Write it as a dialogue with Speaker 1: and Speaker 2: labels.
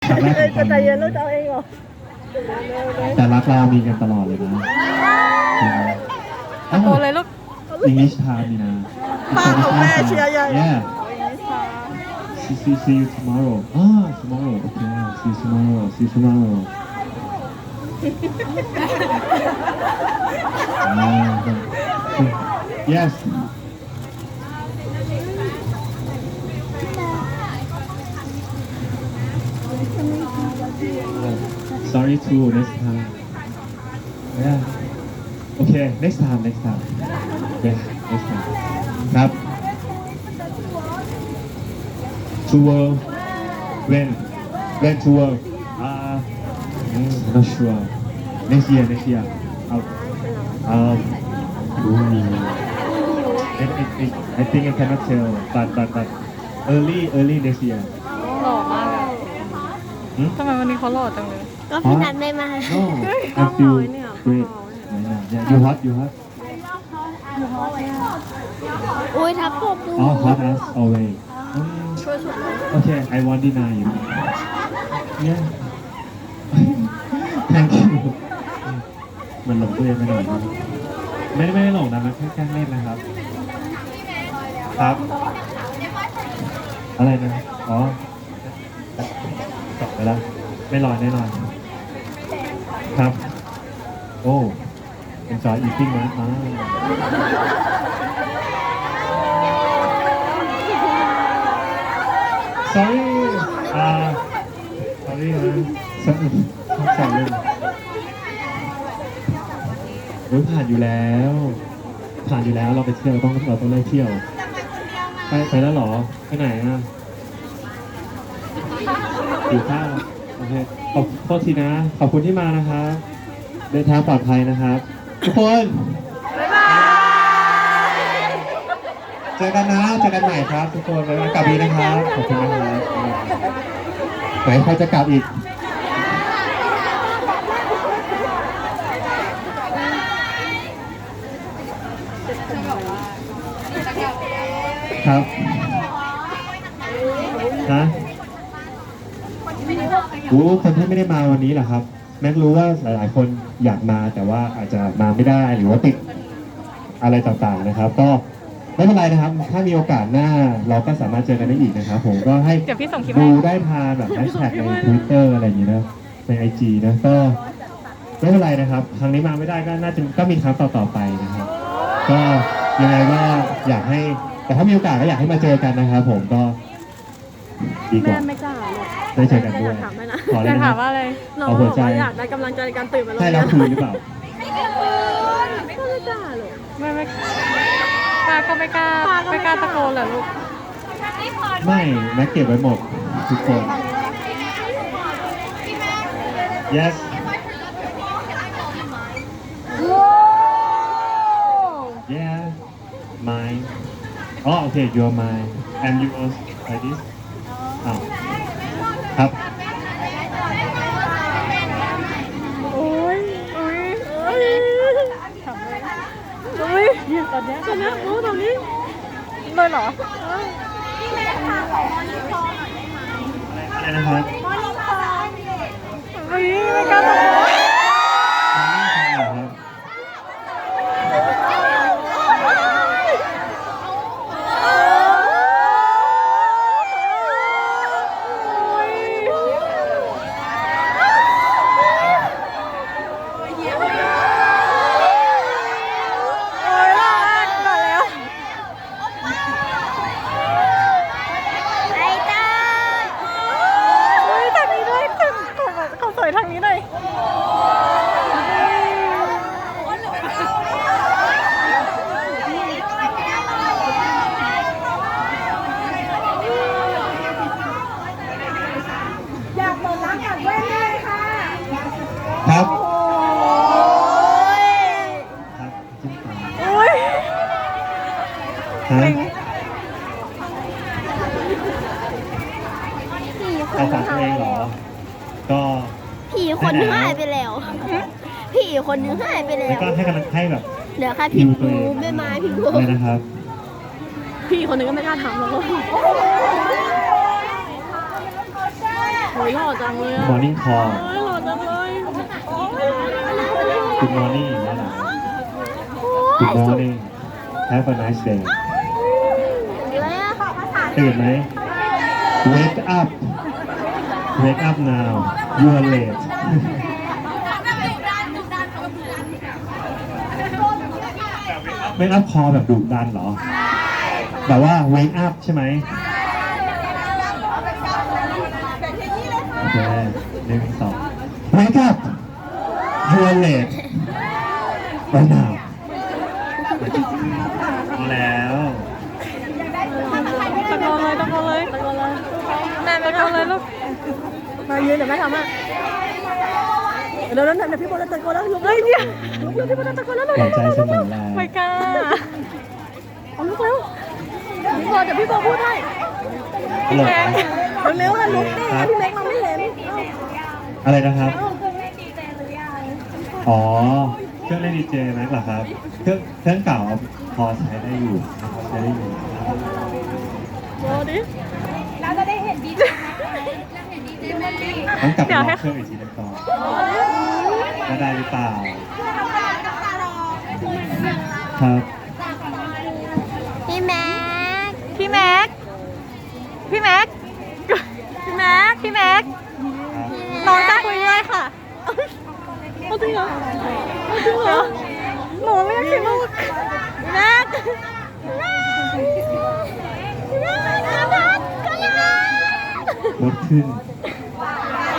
Speaker 1: ครั้งแรกของ
Speaker 2: จะใจ
Speaker 1: ตอน
Speaker 2: เย็นแล้วจะเอาเองเหรอ
Speaker 1: แต่รักเรามีกันตลอดเลยนะตะ
Speaker 3: โตเลยลูก
Speaker 1: English time นี่นะ
Speaker 2: ป้าของแม่เชียร์ใหญ่
Speaker 1: Yeah see you tomorrow tomorrow okay see you tomorrow yes sorry too next time yeah okay next time yeah next time ครับ to work when to work not sure next year um I think I cannot tell but early next year
Speaker 3: หล่อมากอะทำไมวันนี้เขาหล่อจังเลย
Speaker 2: ก็พี่นัทไม่มา
Speaker 1: no I feel great yeah you hot
Speaker 2: อุ้ยทับผมดู
Speaker 1: hot as always
Speaker 2: ช่วยสุดเลย
Speaker 1: okay I won't deny you yeah thank you มันหลงตัวเองไปหน่อยนะไม่ได้หลงนะมันแค่แกล้งเล่นนะครับครับอะไรนะอ๋อตอบไปแล้วไม่ลอยแน่นอนครับโอ้ enjoy eating นะsorry sorry นะสองเล่นผ่านอยู่แล้วเราไปเที่ยวเราต้องได้เที่ยวไปแล้วเหรอไปไหนอ่ะอยู่ข้าวโอเคขอโทษทีนะขอบคุณที่มานะครับเดินทางปลอดภัยนะครับทุกคนเจอกันใหม่ครับทุกคนบ๊ายบายกลับดีนะครับขอบคุณนะครับไหนใครจะกลับอีกครับนะคนที่ไม่ได้มาวันนี้เหรอครับแม็กรู้ว่าหลายๆคนอยากมาแต่ว่าอาจจะมาไม่ได้หรือว่าติดอะไรต่างๆนะครับก็ไม่เป็นไรนะครับถ้ามีโอกาสหน้าเราก็สามารถเจอกันได้อีกนะครับผมก็ให้ดูได้ทางแบบแฮชแท็กใน Twitter อะไรอย่างนี้นะใน IG นะก็ไม่เป็นไรนะครับครั้งนี้มาไม่ได้ก็น่าจะก็มีครั้งต่อๆไปนะครับก็ยังไงก็อยากให้แต่ถ้ามีโอกาสก็อยากให้มาเจอกันนะครับผมก็ดีกว่า
Speaker 2: ไม่กล้าหรอก
Speaker 1: ได้เจอกันด้วย
Speaker 2: ถามให้นะ
Speaker 1: ขอเล
Speaker 3: จะ
Speaker 1: ยนะ
Speaker 3: ถามว่าอะไร
Speaker 2: น้อง
Speaker 1: เอา
Speaker 2: บ
Speaker 1: หัว
Speaker 2: อก
Speaker 1: ใจ
Speaker 2: ว่าอยากได้กำลังใจในการตื่นมาโรง
Speaker 1: ให้
Speaker 2: เรียน
Speaker 1: เราคุยหรือเปล่า
Speaker 2: ไม่กล้าหรอก
Speaker 3: ไม่ป้าก็ไม่กล้าตะโกนเหรอลูก
Speaker 1: ไม่แม็กเก็บไว้หมดทุกคน yes yeah mine oh okay you're mine and you was like this อ้าวครับ
Speaker 2: โอ้ยทำเลยอุ้ยตอนนี้รู้ตรงนี้
Speaker 3: เลยเหรอ
Speaker 1: อะไรนะครับ
Speaker 3: ไม่กล้าตะโกน
Speaker 1: ครับ
Speaker 3: ทางนี้หน่อย
Speaker 2: อยากบอกรักกับแว่นเลยค่ะ
Speaker 1: ครับ
Speaker 2: โอ้ย
Speaker 1: ครับจิ้มตา
Speaker 3: อุ้ย
Speaker 1: ฮะ
Speaker 2: ผีค
Speaker 1: ใคร
Speaker 2: น
Speaker 1: ฝากตัวเองเหรอ ก็
Speaker 2: ผีคนนึงหายไปแล้ว ผีคนนึงหายไปแล้
Speaker 1: แล้ว
Speaker 2: ว
Speaker 1: ก็ให้กำลังให้แบบ
Speaker 2: เดี๋ยวค่ะพี่ภูแม่ไม้พี่ภู
Speaker 1: เลยนะครับ
Speaker 2: พี่คนนึงก็ไม่กล้าถามหรอก
Speaker 1: ค
Speaker 3: หล่อจังเลยอะ
Speaker 1: Morning Call
Speaker 3: หล่อจังเลย
Speaker 1: Good morning นั่นแหละ Good morning Have a nice day
Speaker 2: เลยอะ
Speaker 1: ตื่นไหม Wake up Wake up now You are late Wake up call แบบดุดันเหรอ แบบว่า Wake up ใช่ไหมโอเค1 2 Wake up You are late Right now เอาแล้ว
Speaker 3: ตะโกนเลยตะโกนเลยแม่ตะโกนเลยลูก
Speaker 4: มายืนเดี๋ยวแม่ทำอ่ะเดี๋ยวพี่โบจะตะโกนแล้วลุก
Speaker 3: เฮ้ยเนี่ย
Speaker 4: พี่โบจะตะโกนแล้ว
Speaker 1: หวังใจเสมอแล
Speaker 3: ไม่กล้า
Speaker 4: เอาลุกแล้วพี่โบเดี๋ยวพี่โบพูดให้
Speaker 1: ตลกนะ
Speaker 4: เร็วๆนะลุกดิพี่แม็กเราไม่เห็น
Speaker 1: อะไรนะครับ อ๋อ เครื่องเล่นดีเจแม็กเหรอครับ เครื่องเก่าพอใช้ได้อยู่นะครับใช้ได้อยู่
Speaker 3: โบดิ
Speaker 1: ต้องกลับไปลองเครื่องอีกทีนึงก่อนว่าได้หรือเปล่า ครับ
Speaker 2: พี่แม็ก
Speaker 3: พี่แม็กพี่แม็กพี่แม็กพี่แม็ก
Speaker 1: ครับ
Speaker 3: น้องจะคุยด้วยค่ะเอาจริงเหรอเอาจริงเหรอหนูไม่อยากคิดลูกแม็ก
Speaker 1: รถขึ้น